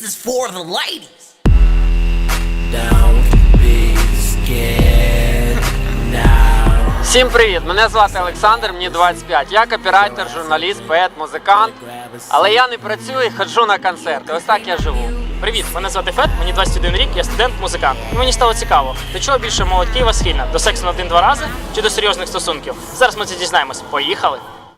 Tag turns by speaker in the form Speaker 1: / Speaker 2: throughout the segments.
Speaker 1: is for the ladies.
Speaker 2: Don't be scared now.
Speaker 3: Всім привіт! Мене звати Олександр, мені 25. Я копірайтер, журналіст, поет, музикант. Але я не працюю і ходжу на концерти. Ось так я живу.
Speaker 4: Привіт, мене звати Фет, мені 21 рік, я студент-музикант. І мені стало цікаво, до чого більше молодь Києва схильна? До сексу на 1-2 рази чи до серйозних стосунків? Зараз ми це дізнаємось. Поїхали!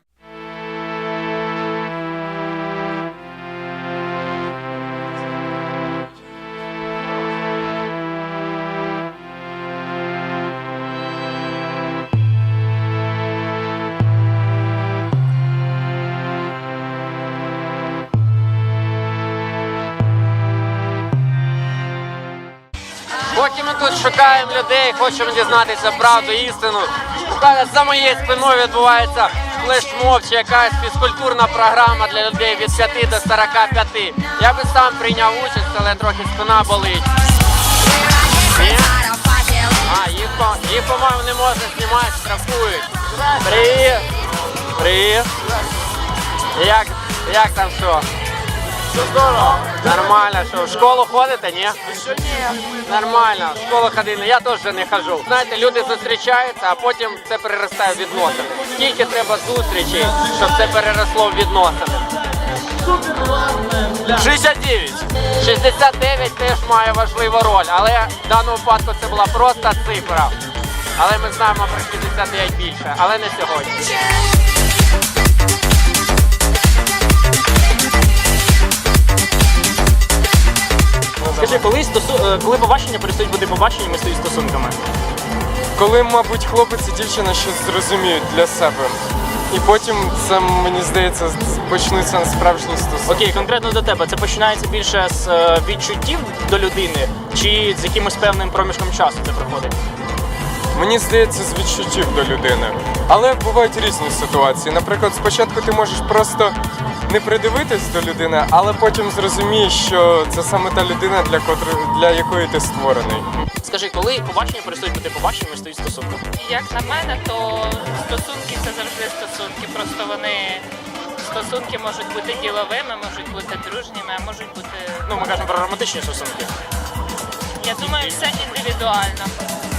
Speaker 3: Поки ми тут шукаємо людей, хочемо дізнатися правду, істину. Буквально за моєю спиною відбувається флешмоб чи якась фізкультурна програма для людей від 5 до 45. Я би сам прийняв участь, але трохи спина болить. Ні? А, їх по-моєму, не можна знімати, штрафують. Привіт! Привіт! Як там що?
Speaker 5: Все здорово.
Speaker 3: Нормально, що в школу ходите, ні?
Speaker 5: Ще ні.
Speaker 3: Нормально, в школу ходили, я теж не ходжу. Знаєте, люди зустрічаються, а потім це переростає в відносини. Скільки треба зустрічей, щоб це переросло в відносини?
Speaker 5: 69.
Speaker 3: 69 теж має важливу роль, але в даному випадку це була просто цифра. Але ми знаємо про 69 більше, але не сьогодні.
Speaker 4: Скажи, коли побачення перестають бути побаченнями, стають стосунками?
Speaker 6: Коли, мабуть, хлопець і дівчина щось зрозуміють для себе. І потім це, мені здається, почнуться справжні стосунки.
Speaker 4: Окей, конкретно до тебе, це починається більше з відчуттів до людини чи з якимось певним проміжком часу це проходить?
Speaker 6: Мені здається, з відчуттів до людини. Але бувають різні ситуації. Наприклад, спочатку ти можеш просто не придивитись до людини, але потім зрозумієш, що це саме та людина, для якої ти створений.
Speaker 4: Скажи, коли побачення перестають бути побаченнями, стають стосунками?
Speaker 7: Як на мене, то стосунки це завжди стосунки. Просто стосунки можуть бути діловими, можуть бути дружніми, а можуть бути.
Speaker 4: Ну, ми кажемо про романтичні стосунки.
Speaker 7: Я думаю, все індивідуально.